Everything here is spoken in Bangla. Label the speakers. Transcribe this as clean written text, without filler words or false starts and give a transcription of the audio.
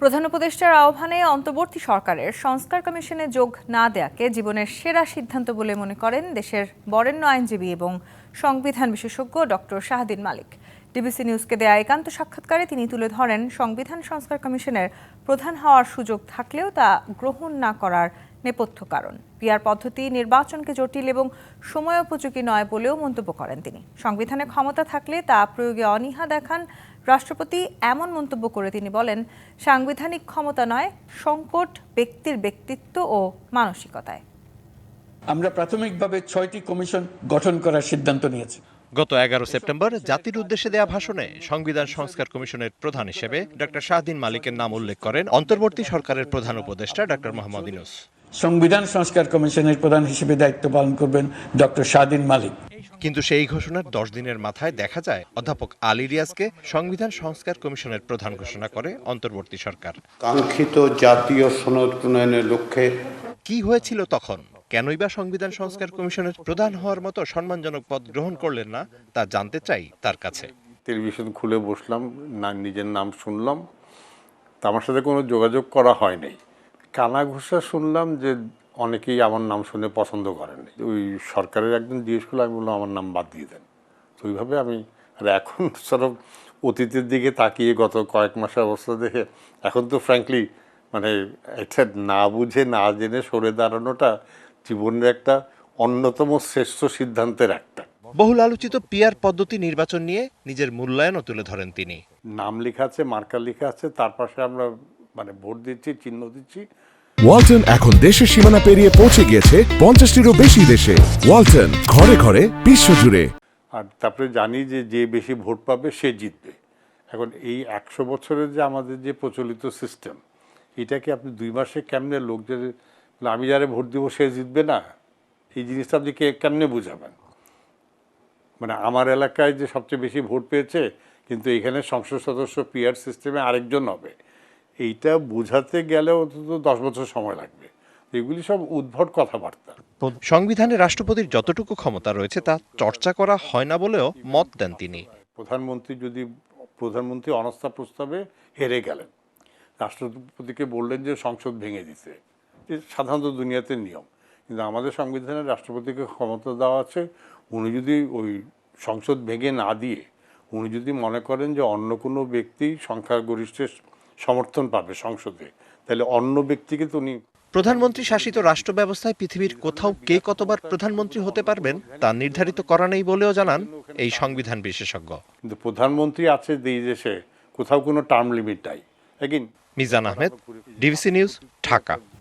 Speaker 1: প্রধান উপদেষ্টার আহ্বানে অন্তর্বর্তী সরকারের সংস্কার কমিশনে যোগ না দেয়াকে জীবনের সেরা সিদ্ধান্ত বলে মনে করেন দেশের বরেণ্য আইনজীবী এবং সংবিধান বিশেষজ্ঞ ডক্টর শাহদিন মালিক। ডিবিসি নিউজকে দেয়া একান্ত সাক্ষাৎকারে তিনি তুলে ধরেন, সংবিধান সংস্কার কমিশনের প্রধান হওয়ার সুযোগ থাকলেও তা গ্রহণ না করার নেপথ্য কারণ পিআর পদ্ধতি নির্বাচনকে জটিল এবং সময়োপযোগী নয় বলেও মন্তব্য করেন তিনি। সংবিধানে ক্ষমতা থাকলে তা প্রয়োগে অনীহা দেখান রাষ্ট্রপতি, এমন মন্তব্য করে তিনি বলেন, সাংবিধানিক ক্ষমতা নয়, সংকট ব্যক্তির ব্যক্তিত্ব ও মানসিকতায়।
Speaker 2: আমরা প্রাথমিকভাবে 6টি কমিশন গঠন করার সিদ্ধান্ত নিয়েছি।
Speaker 3: গত 11 সেপ্টেম্বর জাতির উদ্দেশ্যে দেয়া ভাষণে সংবিধান সংস্কার কমিশনের প্রধান হিসেবে ডক্টর শাহদিন মালিকের নাম উল্লেখ করেন অন্তর্বর্তী সরকারের প্রধান উপদেষ্টা ডক্টর মোহাম্মদ ইউনূস।
Speaker 2: সংবিধান সংস্কার কমিশনের প্রধান হিসেবে দায়িত্ব পালন করবেন ডক্টর শাহদিন মালিক।
Speaker 3: কিন্তু সেই ঘোষণার 10 দিনের মাথায় দেখা যায় অধ্যাপক আলী রিয়াজকে সংবিধান সংস্কার কমিশনের প্রধান ঘোষণা করে অন্তর্বর্তী সরকার।
Speaker 4: কাঙ্ক্ষিত জাতীয় সনদ প্রণয়নের লক্ষ্যে
Speaker 3: কি হয়েছিল তখন? কেনই বা সংবিধান সংস্কার কমিশনের প্রধান হওয়ার মতো সম্মানজনক পদ গ্রহণ করলেন না, তা জানতে চাই তার কাছে।
Speaker 4: টেলিভিশন খুলে বসলাম, না নিজের নাম শুনলাম, তা আমার সাথে কোনো যোগাযোগ করা হয় নাই। কানাঘুষা শুনলাম যে অনেকেই আমার নাম শুনে পছন্দ করেন। ওই সরকারের একজন জিজ্ঞেস করলো, আমি বললাম আমার নাম বাদ দিয়ে দেন। তো ওইভাবে আমি আর এখন সরব অতীতের দিকে তাকিয়ে গত কয়েক মাসের অবস্থা দেখে এখন তো ফ্র্যাঙ্কলি মানে এটা না বুঝে না জেনে সরে দাঁড়ানোটা জীবনের একটা অন্যতম শ্রেষ্ঠ সিদ্ধান্তের একটা।
Speaker 3: বহুল আলোচিত পিআর পদ্ধতি নির্বাচন নিয়ে নিজের মূল্যায়নও তুলে ধরেন তিনি।
Speaker 4: নাম লেখা আছে, মার্কার লেখা আছে, তার পাশে আমরা ভোট দিচ্ছি, চিহ্ন দিচ্ছি।
Speaker 5: ওয়ালটন এখন দেশের সীমানা পেরিয়ে পৌঁছে গিয়েছে 50টিরও বেশি দেশে। ওয়ালটন, ঘরে ঘরে বিশ্বজুড়ে।
Speaker 4: আর তারপরে জানি যে যে বেশি ভোট পাবে সে জিতবে। এখন এই 100 বছরের যে আমাদের যে প্রচলিত সিস্টেম, এটাকে আপনি 2 মাসে কেমনে লোকদের আমি যারা ভোট দিব সে জিতবে না, এই জিনিসটা আপনি কেমনে বুঝাবেন? আমার এলাকায় যে সবচেয়ে বেশি ভোট পেয়েছে, কিন্তু এখানে সংসদ সদস্য পিআর সিস্টেমে আরেকজন হবে, এইটা বোঝাতে গেলে অন্তত 10 বছর সময় লাগবে। এগুলি সব উদ্ভট কথাবার্তা।
Speaker 3: সংবিধানে রাষ্ট্রপতির যতটুকু ক্ষমতা রয়েছে তা চর্চা করা হয় না বলেও মত দেন তিনি।
Speaker 4: প্রধানমন্ত্রী অনাস্থা প্রস্তাবে হেরে গেলেন, রাষ্ট্রপতিকে বললেন যে সংসদ ভেঙে দিতে, সাধারণত দুনিয়াতে নিয়ম। কিন্তু আমাদের সংবিধানে রাষ্ট্রপতিকে ক্ষমতা দেওয়া আছে, উনি যদি ওই সংসদ ভেঙে না দিয়ে উনি যদি মনে করেন যে অন্য কোনো ব্যক্তি সংখ্যাগরিষ্ঠের সমর্থন পাবে সংসদে, তাহলে অন্য ব্যক্তিকে তো উনি।
Speaker 3: প্রধানমন্ত্রী শাসিত রাষ্ট্র ব্যবস্থায় পৃথিবীর কোথাও কে কতবার প্রধানমন্ত্রী হতে পারবেন তা নির্ধারিত করা নেই বলেও জানান এই সংবিধান বিশেষজ্ঞ।
Speaker 4: কিন্তু প্রধানমন্ত্রী আছে এই দেশে, কোথাও কোনো টার্ম লিমিট নাই।
Speaker 3: Mizan Ahmed, DBC news, Dhaka.